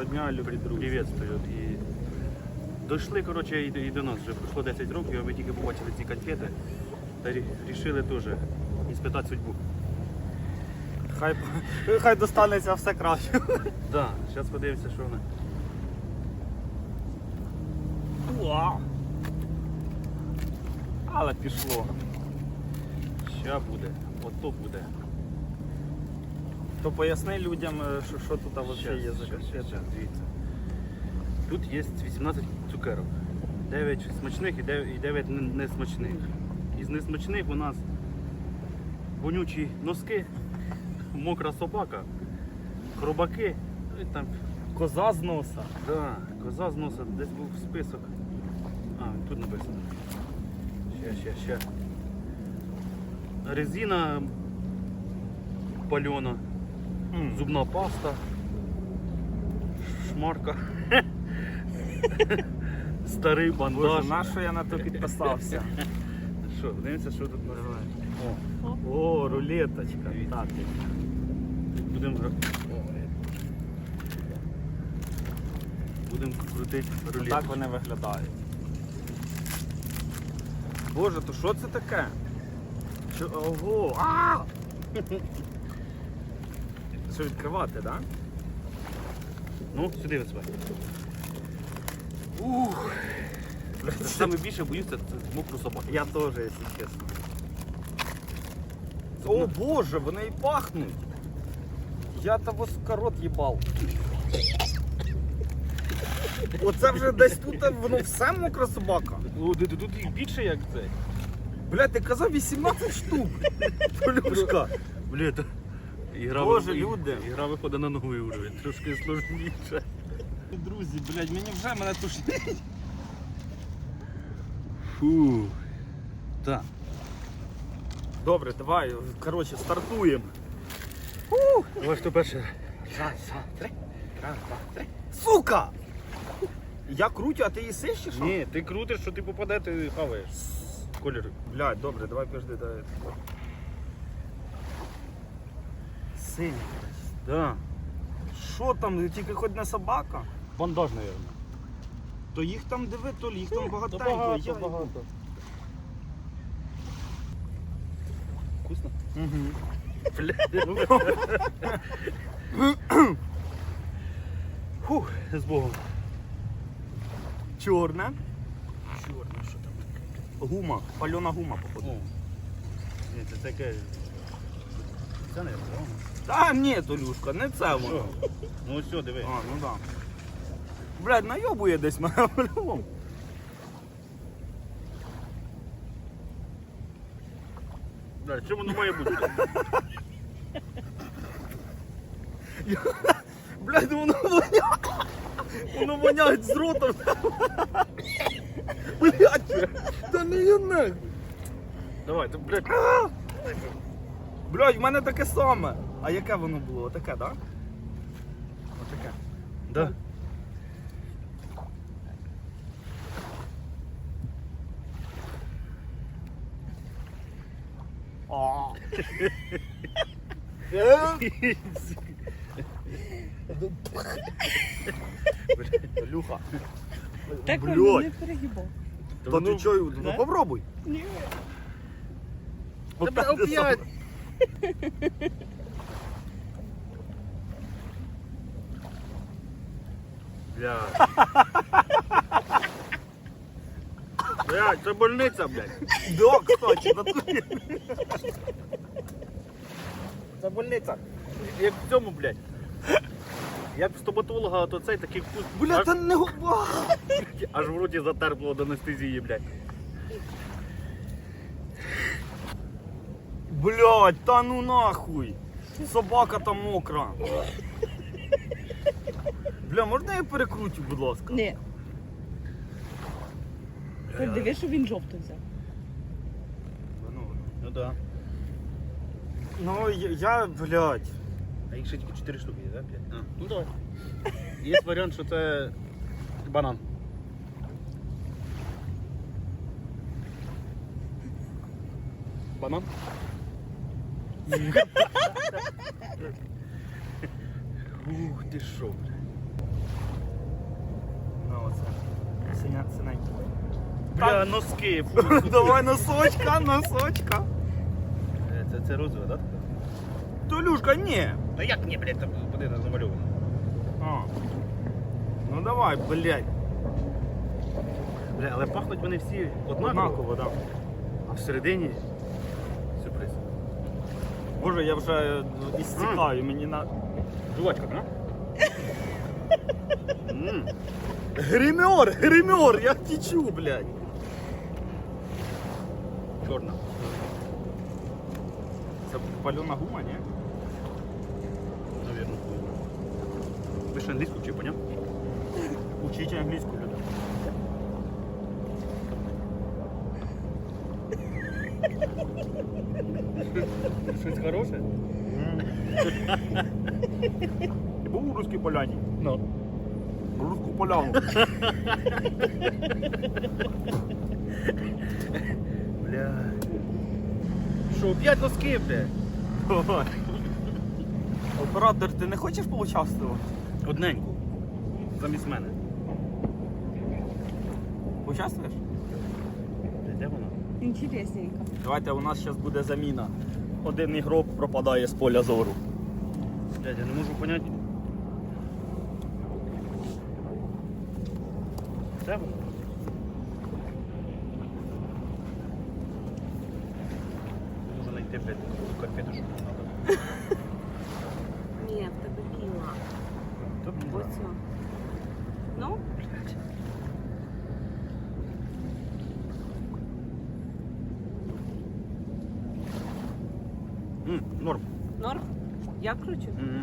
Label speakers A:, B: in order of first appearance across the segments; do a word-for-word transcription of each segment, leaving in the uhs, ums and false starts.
A: дня, любі друзі.
B: Приветствую. І дійшли, коротше, і, і до нас вже пройшло десять років, а ми тільки побачили ці конфети та вирішили теж іспитати судьбу.
A: Хай, хай достанеться все краще.
B: Так, да, зараз подивимося, що вони.
A: Уа! Але пішло.
B: Ща буде, ото буде.
A: То поясни людям, що, що тут взагалі
B: Щас,
A: є за
B: щас,
A: конфети.
B: щас, дивіться. Тут є вісімнадцять цукерок. дев'ять смачних і дев'ять несмачних. Із несмачних у нас вонючі носки, мокра собака, хробаки, і там,
A: Коза з носа.
B: да, коза з носа, десь був список. А, тут написано. Ще, ще, ще. Резина пальона,
A: М.
B: зубна паста, шмарка, старий бандаж.
A: Боже, на що я на то підписався?
B: Що, дивимося, що тут нас.
A: О, О рулеточка. Так.
B: Будемо Будемо крутити рулет.
A: Так вони виглядають. Боже, то що це таке? Що, ого! А! Що відкривати, так? Да?
B: Ну, сюди висувай. Ух! Саме більше боюся це мокру собаку.
A: Я теж, якщо чесно. О боже, вони і пахнуть. Я того сука рот їбав. Оце вже десь тут воно все мокра собака.
B: Ну, тут тут їх більше як це.
A: Блядь, ти казав вісімнадцять штук. Полюшка.
B: Бля, то ігра,
A: Боже,
B: ви-
A: люди.
B: Ігра виходить на новий уровень, трошки сложніше.
A: Друзі, блядь, мені вже мене тушить.
B: Фу. Так.
A: Добре, давай, коротше, стартуємо.
B: Давай, хто перший?
A: Раз, два, три. Раз, два, три. Сука! Я крутю, а ти їсиш чи що?
B: Ні, ти крутиш, що ти попаде, ти хаваєш. Кольори.
A: Блядь, добре, давай пожди, давай. Синій.
B: Да.
A: Що там, тільки хоч не собака?
B: Бандаж, мабуть.
A: То їх там диви, то їх там багатенько.
B: багато,
A: Я-
B: багато. Вкусно?
A: Мгм.
B: Фух, з Богом.
A: Чорне.
B: Чорно, що там?
A: Гума, пальона гума, походу.
B: О. Ні, це таке. Це не правильно.
A: Та ні, Толюшка, не це воно.
B: Що? Ну все, диви.
A: А, ну да. Блядь, найобує десь мене по-любому.
B: Да, що воно має бути?
A: Блядь, воно воняє. Воно воняє з ротом. Блядь, та не я нахуй.
B: Давай, ти, блядь.
A: Блядь, в мене таке саме. А яке воно було? Отаке, так? Да? Отаке.
B: Да.
A: А. Люха.
C: Так
A: Блядь.
C: воно не перегибав.
A: Та ти чого? Ну
C: Да?
A: попробуй.
C: Ні.
A: Опять.
B: опять. Блядь. Блядь, це больниця, блядь.
A: Да, кстати, натурі.
B: Це больниця. Як в цьому, блядь. Як в стоматолога, то цей такий вкус.
A: Бля,
B: аж,
A: та не губа.
B: аж в роті затерпло до анестезії, блядь.
A: Блядь, та ну нахуй. Собака там мокра. Бля, можна я перекрутю, будь ласка?
C: Ні. Ти дивись, що він жовтий взяв.
B: Ну да.
A: Ну, я, я, блядь.
B: А їх ще тільки чотири штуки є, так? А, ну давай. Є варіант, що це банан. Банан? Ух, ти що, бля.
A: оце. Синя, синенька.
B: Бля, носки. Фу,
A: Давай носочка, носочка.
B: Е, Це, це розове, так?
A: Толюшка, ні.
B: Та як ні, блядь, там буде замальовано.
A: А. Ну давай, блядь.
B: Бля, але пахнуть вони всі однаково,
A: Однаково, так.
B: а всередині сюрприз.
A: Боже, я вже істікаю, мені на.
B: Жувачка, да? М.
A: Гример, гример, я течу, блядь.
B: Чорна.
A: Це пальона гума, ні?
B: Навірно. Ви ще англійську чи поняв?
A: Учіть англійську, люди.
B: Щось хороше?
A: Ти був у Руській Поляні?
B: Ну.
A: Руську поляну.
B: Бля. Що, п'ять носки, бля?
A: Давай. Оператор, ти не хочеш поучаствувати?
B: Одненьку. Замість мене.
A: Поучаствуєш?
B: Бля, де вона?
C: Інтересненько.
A: Давайте, у нас зараз буде заміна. Один ігрок пропадає з поля зору.
B: Блядь, я не можу поняти. Де вона? Не можу знайти, блядь, ту конфету, що мені треба.
C: Ні, в тебе біла.
B: Тобто,
C: Ось о. Ну,
B: блядь. М, норм.
C: норм. Я кручу.
B: М,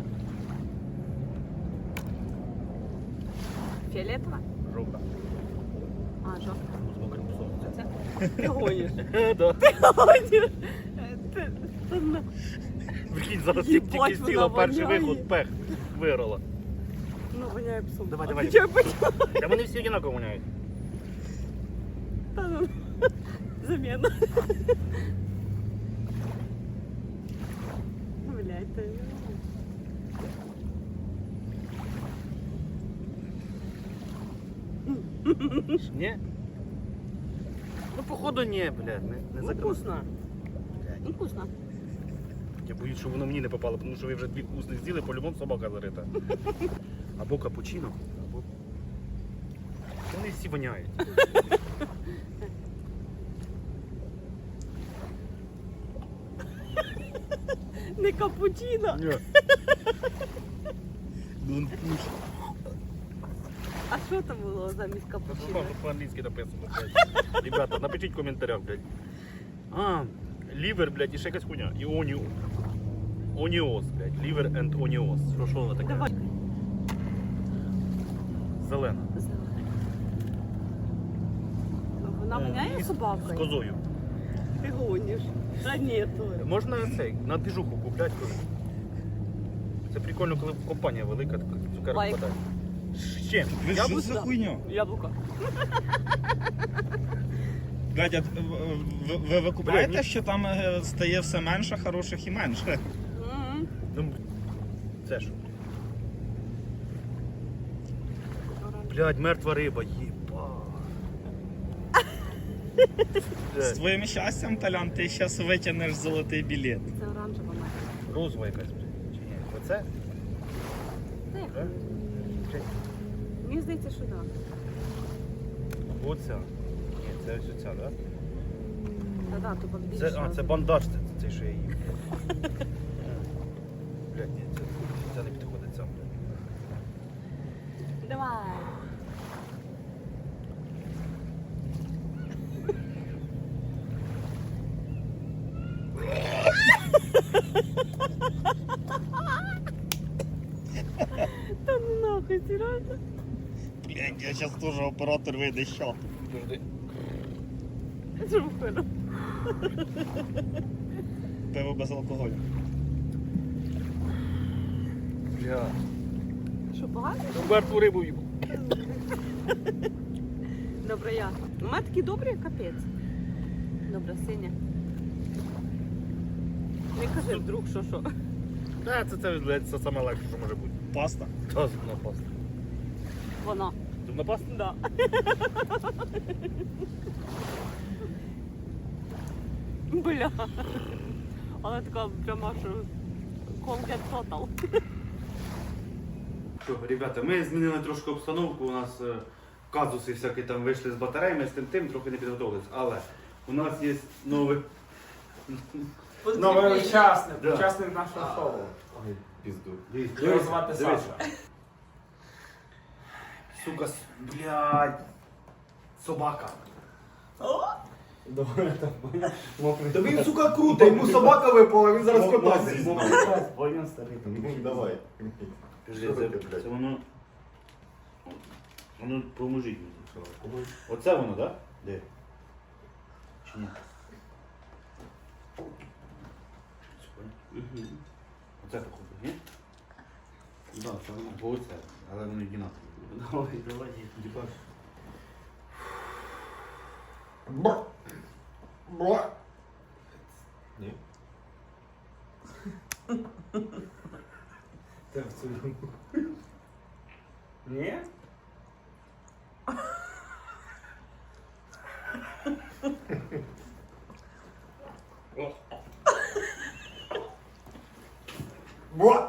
C: Фіолетова?
B: Жовта.
C: А, жовта.
B: З мокрим псом.
C: Це? Ти гониш.
B: Да.
C: Ти гониш. Ти- ти на-
B: Прикинь, зараз
C: Їбать,
B: тільки сіла
C: вона
B: перший
C: воняє.
B: виход, пех, виграла.
C: Ну, воняє псом.
B: Давай,
C: А
B: давай.
C: ти чого почала?
B: Та вони всі однаково воняють.
C: Та ну, заміна. Блядь, ти.
B: Ні? Ну, походу, ні, блядь, не, не
C: Ну,
B: закрив.
C: вкусно. Ну, вкусно.
B: Я боюсь, що воно мені не попало, тому що ви вже дві вкусних з'їли, по-любому собака зарита. Або капучино, або... Вони всі воняють.
C: Не капучино.
B: Ні.
C: А що там було замість капучино?
B: По-англійськи написано, блядь. Ребята, напишіть в коментарях, блядь. А, лівер, блядь, і ще якась хуйня. І оніо. Оніос, блядь. Лівер and оніос. Що, що вона таке?
C: Давай.
B: Зелена.
C: Вона воняє
B: І з- З
C: собакою?
B: козою.
C: Ти гониш. Та ні, то.
B: Можна цей, на двіжуху купляти коли. Це прикольно, коли компанія велика, така цукерок
C: Лайк.
B: подає. З чим?
A: Ви
B: Я
A: що
B: б-
A: за хуйня?
C: Яблуко.
A: Блядь, а ви, ви, ви, ви купляєте,
B: Блядь,
A: що там е, стає все менше хороших і менше?
C: М.
B: Ну, це що? Блядь, мертва риба, єба.
A: З твоїм щастям, Талян, ти зараз витягнеш золотий білет.
C: Це оранжева мать.
B: Розова якась, блядь. Чи ні? Оце?
C: Та як?
B: Да? Блядь,
C: Мені здається, що так.
B: оця. Ні, це ось оця, да?
C: Та да, то більше.
B: Це, а, це бандаж, це, це що я їм. Блядь, ні, це, це не підходить сам, блядь.
C: Давай. Та ну нахуй, серйозно?
A: Блядь, я зараз теж оператор вийде, що?
B: Подожди.
C: Що входить?
A: Пиво без алкоголю.
B: Бля.
C: Що, погано?
B: Мертву рибу їм.
C: Добре, я. У мене такі добрі, капець. Добре, синя. Не кажи вдруг, що що.
B: Та, це, це, блядь, це саме легше, що може бути.
A: Паста.
B: Та, зубна паста.
C: Вона.
B: Зубна паста?
C: Да. Бля. Вона така прямо, що Colgate Total.
B: Що, ребята, ми змінили трошки обстановку, у нас е, казуси всякі там вийшли з батареями, з тим тим, трохи не підготовились. Але у нас є новий...
A: Новий учасник,
B: Да.
A: учасник нашого шоу.
D: Ой, пізду.
B: Дивіться,
A: Його звати
B: дивіться.
A: Саша.
B: Сука, с- блядь, собака.
D: Та він, сука, круто, йому собака випала, він зараз кота
B: Мов-
D: з'їсть.
B: мов- Поняв, старий.
D: Ну, давай.
B: Кажи,
D: Що
B: це,
D: таке, блядь?
B: це воно... Воно поможіть мені. Оце воно, так? Да? Де? Чи ні? Оце походу, ні?
A: Да, це воно.
B: Або оце, але воно одинаково.
A: Давай, давай.
B: Дібаш.
D: Бра. Бра. Ні.
A: Ти в цю. Ні?
D: Бра.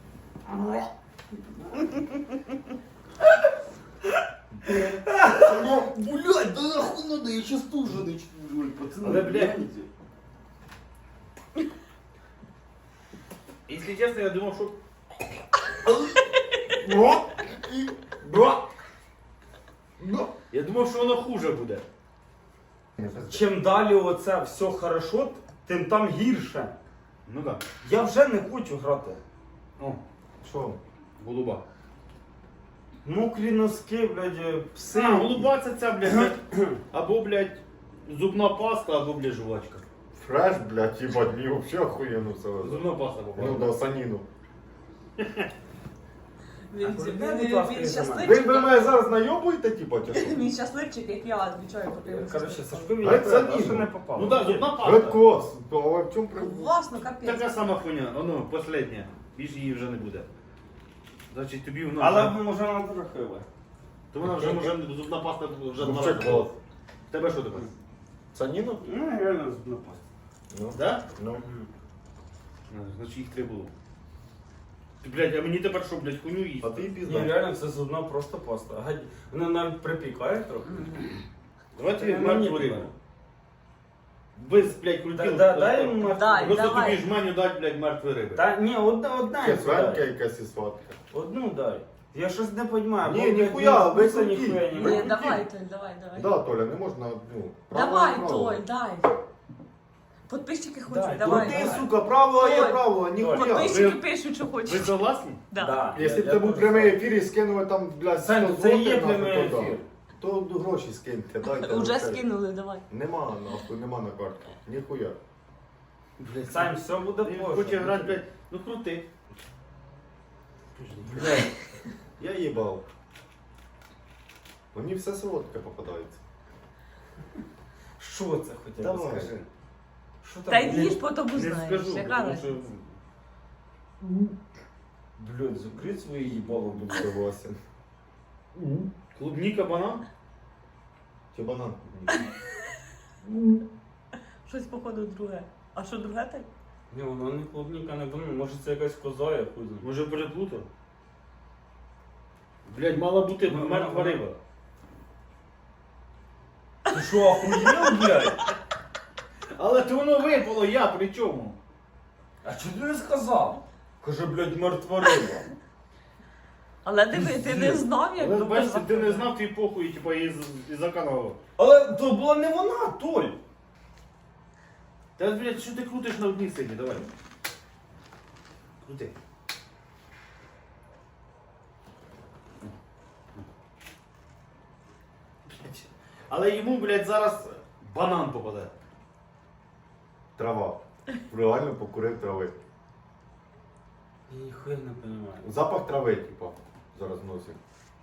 D: Ну, блядь, да нахуй надо, я сейчас тоже начну, пацаны.
B: Але, блядь, якщо чесно, я думав, що...
D: Бра. І бра. Бра.
B: Я думав, що воно хуже буде.
A: Чим далі оце все хорошо, тим там гірше.
B: Ну так.
A: Я вже не хочу грати.
B: О,
D: Що?
B: голуба.
A: Мокрі носки, блядь, пси.
B: А, голуба це ця, блядь, або, блядь, зубна паста, або, блядь, жувачка.
D: Фреш, блядь, ебать, мне вообще охуенно все.
B: Зубна паста
D: Ну
B: попала.
D: да, саніну.
C: Він,
A: А
C: він,
A: куди,
C: він,
A: будь ласка,
C: він
A: я
C: щасливчик.
D: Ви, ви мене зараз найобуєте, типа, чи що?
C: Він щасливчик, як я, звичайно, поки
A: Коротше, Сашко мені
D: Геть
A: треба,
D: Саніну.
A: що не попало.
B: Ну так, зубна
D: Ред
B: паста.
D: клас. А в чому проблема?
C: Власно, капець.
B: Така сама хуйня, воно, последня. Більше її вже не буде. Значить, тобі вона
A: Але
B: вже...
A: може вона трохи.
B: То вона вже, може, зубна паста вже два
D: Вообще
B: рази.
D: клас.
B: В тебе що таке?
D: Саніну?
A: Ну, реально зубна паста.
D: Ну.
B: Да?
D: Ну.
B: Ну, значить, їх три було. Ти, блядь, а мені тепер що, блядь, хуйню їсти?
D: А ти
A: Ні,
D: пізда.
A: реально це зубна просто паста. Гадь- Вона навіть припікає трохи.
B: Давайте
A: Та
B: мертву
A: мені
B: рибу.
A: треба.
B: Без, блядь, крутил.
A: Да- да- дай йому мертву.
C: Дай,
B: Просто
C: давай.
B: тобі жменю дать, блядь, мертвої риби.
A: Та ні, одна, одна.
D: Це
A: йому
D: сварка
A: дай.
D: якась і сладка.
A: Одну дай. Я щось не розумію.
D: Ні, ніхуя, ви
A: вкуса
D: круті.
A: ніхуя не
D: Ви
C: Ні,
A: маю.
C: давай, Толь, давай, давай.
D: Да, Толя, не можна, ну, право
C: Давай,
D: і право.
C: Толь, дай. Подписчики
A: Дай,
C: хочуть, давай.
D: Крути,
C: давай.
D: сука, право, а я
C: Толь,
D: право, ніхуя.
C: Подписчики
B: Ви-
C: пишуть, що
B: Ви
C: хочуть.
B: согласні?
C: Да.
A: Да.
D: Якщо б
A: Я-
D: це
A: я
D: був
A: теж
D: прямий
A: так.
D: ефір і скинули там, блядь,
A: Сань,
D: сто
A: це і є
D: злотих, нахуй,
A: прямий
D: то да.
A: ефір.
D: То гроші скиньте, дайте.
C: Уже
D: вообще.
C: скинули, давай.
D: Нема, нахуй, нема на картку. Ніхуя.
B: Блядь,
A: Сань, все буде
B: Ти
A: позже.
B: хоче грати, блядь, ну крути.
D: Блядь, я їбав. Мені все солодке попадається.
A: Що це хоча б
D: Давай.
A: скажи? Що там?
C: Та
A: блядь?
C: їж, потім
B: Не
C: узнаєш.
B: скажу,
C: Яка
B: тому
C: разниця?
B: що...
A: Блядь, закрий свої їбало, будь
D: Согласен.
B: Клубніка, банан?
D: Чи банан?
C: Щось, походу, друге. А що друге так?
A: Ні, воно не клубніка, не банан. Може це якась коза, я хуй знаю.
B: Може переплутав? Блядь, мала бути
A: Ну,
B: мертва
A: ну,
B: риба.
A: Ти що, охуєв, блядь?
B: Але то воно випало, я при чому?
A: А чого ти не сказав? Каже, блядь, мертва риба.
C: Але диви, ти не знав, як
B: Але
C: добре
B: бачите, ти не
C: заходить.
B: знав твій похуй, типа, із, із каналу.
A: Але то була не вона, Толь.
B: Та, блядь, що ти крутиш на одній сині, давай. Крути. Блядь. Але йому, блядь, зараз банан попаде.
D: Трава. Реально покурив трави.
A: Я ніхуя не розумію.
D: Запах трави, типа, зараз носить.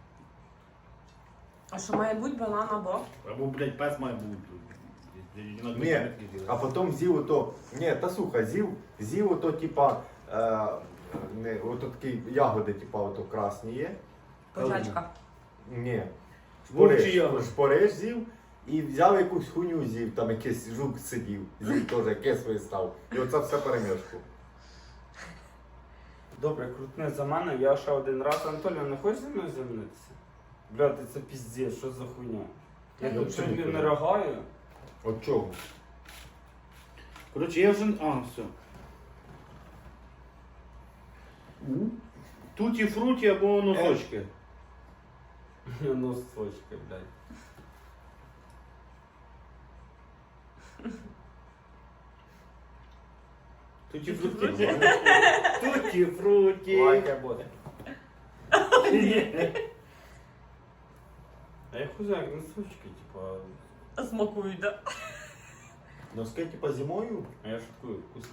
C: А що має бути банан або?
B: Або, блядь, пес має бути.
D: Ні, а потім з'їв ото. Ні, та сука, з'їв, з'їв ото, типа, е, не, ото такі ягоди, типа, ото красні є.
C: Козачка.
D: Ні.
B: Вовчий
D: Шпориш, шпориш з'їв і взяв якусь хуйню з'їв, там якийсь жук сидів, з'їв теж кислий став. І оце все перемішку.
A: Добре, крутне за мене, я ще один раз. Анатолій, не хочеш зі мною замінитися? Блядь, це піздець, що за хуйня? Я
D: Ну,
A: тут
D: чому
A: тобі
D: ти?
A: не рогаю.
D: От чого?
B: Коротше, я вже. А, все. Туті фруті або носочки.
A: Носочки, блядь.
B: Туті фруті. Туті фруті.
A: Лайка буде. А я хуй знаю, як носочки, типа.
C: Смакують, да?
D: Носки типа зимою?
A: А я шуткую, вкусно.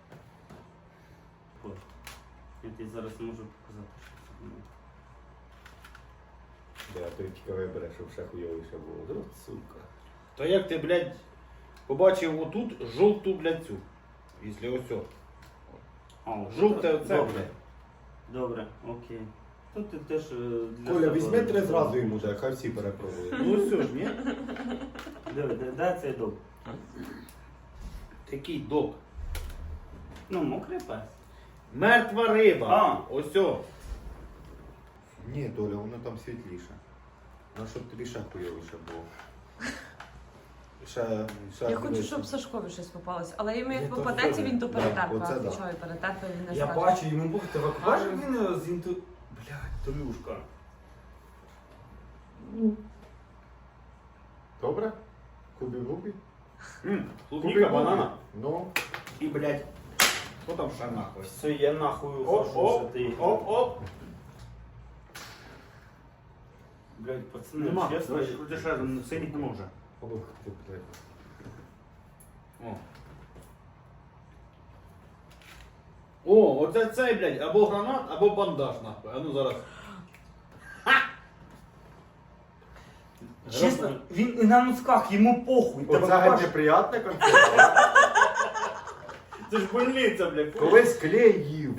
B: Я тобі зараз можу показати, що це було.
D: Да, то тільки вибере, щоб ще хуйовіше було. От сука.
B: То як ти, блядь, побачив отут жовту, блядь, цю. Після ось цього.
A: А,
B: Жовте оце,
A: добре.
B: блядь.
A: Добре, окей. Тут ти теж е, для
D: Коля,
A: себе-
D: візьми три зразу йому, так, хай всі перепробують.
B: Ну ось ж, ні?
A: Диви, де, де цей дуб?
B: Такий док.
A: Ну, мокрий пес.
B: Мертва риба.
A: А.
B: Ось о.
D: Ні, Доля, воно там світліше. Ну, щоб тобі ще хуйовіше було. Ще, ще
C: Я хочу,
D: дивись.
C: щоб Сашкові щось попалось, але йому
D: Ні,
C: як
D: то
C: попадеться,
D: все,
C: він до
D: да,
C: перетерпа.
D: оце да.
C: Відповідаю, перетерпа він не
A: Я
C: скаже.
A: бачу, йому Бог, ти бачиш,
C: Ага.
A: він з інту... Блядь, Толюшка.
D: Добре? Кубі-губі?
B: М, Клубніка, банана.
D: Ну,
B: І, блядь, що там ще нахуй?
A: Все, я нахуй
B: Оп,
A: ухожу,
B: оп,
A: що ти.
B: оп, оп.
A: Блядь, пацани,
B: Нема,
A: чесно.
B: давай, крути ще, синіх не може.
D: ох ти, блядь.
B: О. О, оце цей, блядь, або гранат, або бандаж, нахуй. А ну зараз.
A: Чесно, він і на носках, йому похуй. Тебе
D: Оце геть
A: бачиш?
D: неприятне конфета.
B: Це ж больниця, блядь.
D: Колись клей їв.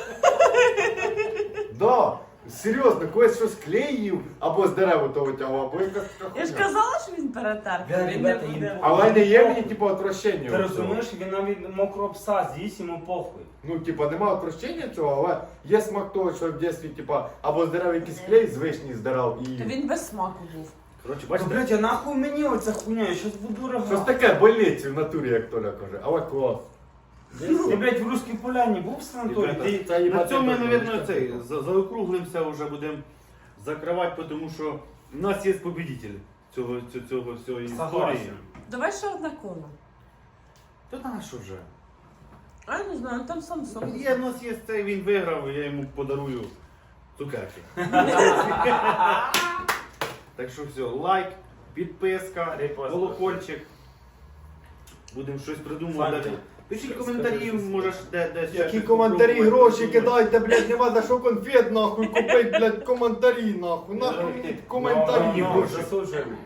D: Да, серйозно, колись щось клей їв, або з дерева то витягував, або якась така
C: Я ж
D: хуйня.
C: казала, що він перетерпа.
A: Бля,
C: Він не
A: ребята,
C: буде.
A: їм-
D: Але не є мені, типу, отвращення.
A: Ти
D: оцього.
A: розумієш, він навіть мокрого пса з'їсть, йому похуй.
D: Ну, типа, нема отвращення цього, але є смак того, що в дитинстві, типа, або з дерев якийсь клей з вишні здирав і.
C: То він без смаку був.
B: Коротше,
A: Бачите,
B: бачите?
A: блядь, а нахуй мені оця хуйня, я щас буду
D: Щось
A: рогати.
D: таке больниці в натурі, як Толя каже. Але клас.
A: Ти, блядь, в Руській Поляні був в санаторії?
B: Ребята,
A: Ти...
D: Це
B: На
D: їбать,
B: цьому ми,
D: це
B: мабуть,
D: точно
B: цей,
D: так.
B: за- заокруглимося, вже будемо закривати, тому що в нас є победитель цього, цього, цього всього історії.
A: Согласен.
C: Давай ще одне коло.
B: Та на що вже?
C: А я не знаю, там Samsung.
B: Є, в нас є цей, він виграв, я йому подарую цукерки. Так що все, лайк, підписка,
A: Репост.
B: колокольчик. Будемо щось придумувати.
A: Саня,
B: Пишіть
A: скажи,
B: коментарі,
A: скажи,
B: можеш де, де ще
D: Які
B: щось
D: коментарі,
B: попробувати,
D: гроші
B: придумати.
D: кидайте, блядь, нема за що конфет, нахуй, купить, блядь, коментарі, нахуй. Нахуй мені коментарі,
A: Ну, ну,
D: гроші.
A: засуджуємо.